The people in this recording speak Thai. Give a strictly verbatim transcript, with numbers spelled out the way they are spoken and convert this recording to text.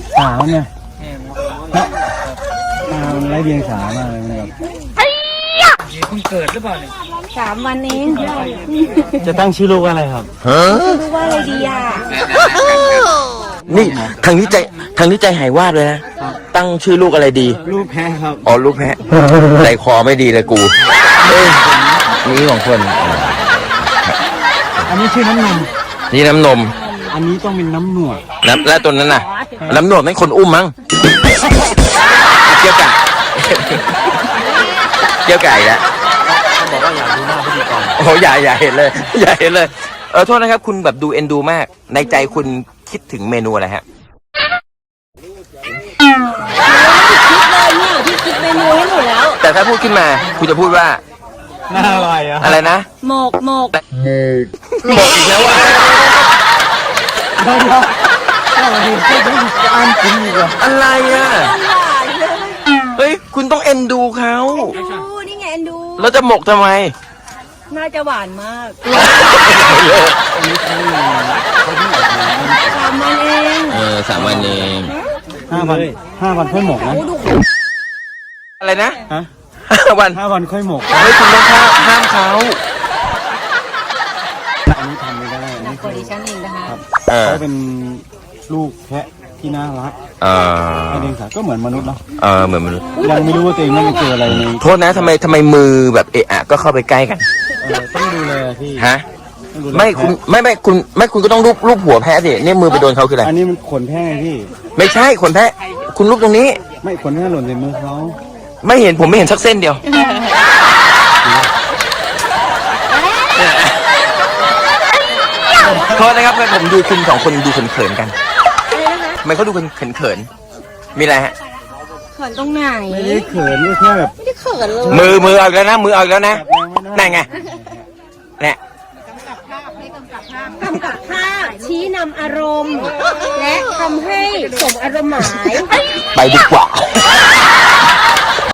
สาวเนี่ยตามันไร้เดียงสามากเลยนะครับเพิ่งเกิดหรือเปล่าเนี่ยสามวันเองจะตั้งชื่อลูกว่าอะไรครับรู้ว่าอะไรดีอ่ะนี่ทางนี้ใจทางนี้ใจหายวาดเลยนะตั้งชื่อลูกอะไรดีลูกแพะครับอ๋อลูกแพะใจคอไม่ดีเลยกูเอ้ยนี่ของคนอันนี้ชื่อน้ำนมนี่น้ำนมอันนี้ต้องเป็นน้ำหนวดน้ำแล้วตัวนั้นน่ะน้ำหนวดนั่นคนอุ้มมั้งเกี่ยวไก่เกี่ยวไก่แล้วบอกว่าอยากดูหน้าพิธีกรโอ้อย่าอย่าเห็นเลยอย่าเห็นเลยเออโทษนะครับคุณแบบดูเอ็นดูมากในใจคุณคิดถึงเมนูอะไรฮะคิดเลยเนี่ยพี่คิดเมนูให้หนูแล้วแต่ถ้าพูดขึ้นมาคุณจะพูดว่าน่าอร่อยอะอะไรนะหมกหมกหมกอีกแล้ววะเดี๋ยวเดี๋ยวจะอ่านกินอีกเหรออะไรอะเฮ้ยคุณต้องเอ็นดูเขาดูนี่ไงเอ็นดูแล้วจะหมกทำไมน่าจะหวานมากสามวันเองเออสามวันเองห้าวันห้าวันค่อยหมกนะอะไรนะฮะห้าวันห้าวันค่อยหมกเฮ้ยคุณต้องห้ามห้ามเขาอันนี้ทำไม่ได้นักกว่าดิฉันเองนะคะเขาเป็นลูกแพะที่น่ารักเออไอเดียงสาก็เหมือนมนุษย์เนาะเออเหมือนมนุษย์ยังไม่รู้ว่าตัวเองไม่ไปเจออะไรในโทษนะทำไมทำไมมือแบบเอะอะก็เข้าไปใกล้กันต้องดูแลพี่ฮะไม่คุณไม่ไม่คุณไม่คุณก็ต้องรูปรูปหัวแพะสิเนี่ยมือไปโดนเขาคืออะไรอันนี้มันขนแพะไงพี่ไม่ใช่ขนแพะคุณรูปตรงนี้ไม่ขนแพะหล่นในมือเขาไม่เห็นผมไม่เห็นสักเส้นเดียวโทษนะครับผมดูคุณสองคนดูเขินๆกันทำไมเขาดูเขินๆมีอะไรฮะเขินตรงไหนไม่ได้เขินแค่แบบไม่ได้เขินเลยมือมือเอาแล้วนะมือเอาแล้วนะนั่นไงเนี่ยกำกับภาพชี้นำอารมณ์และทำให้สมอารมณ์หมายไปดีกว่า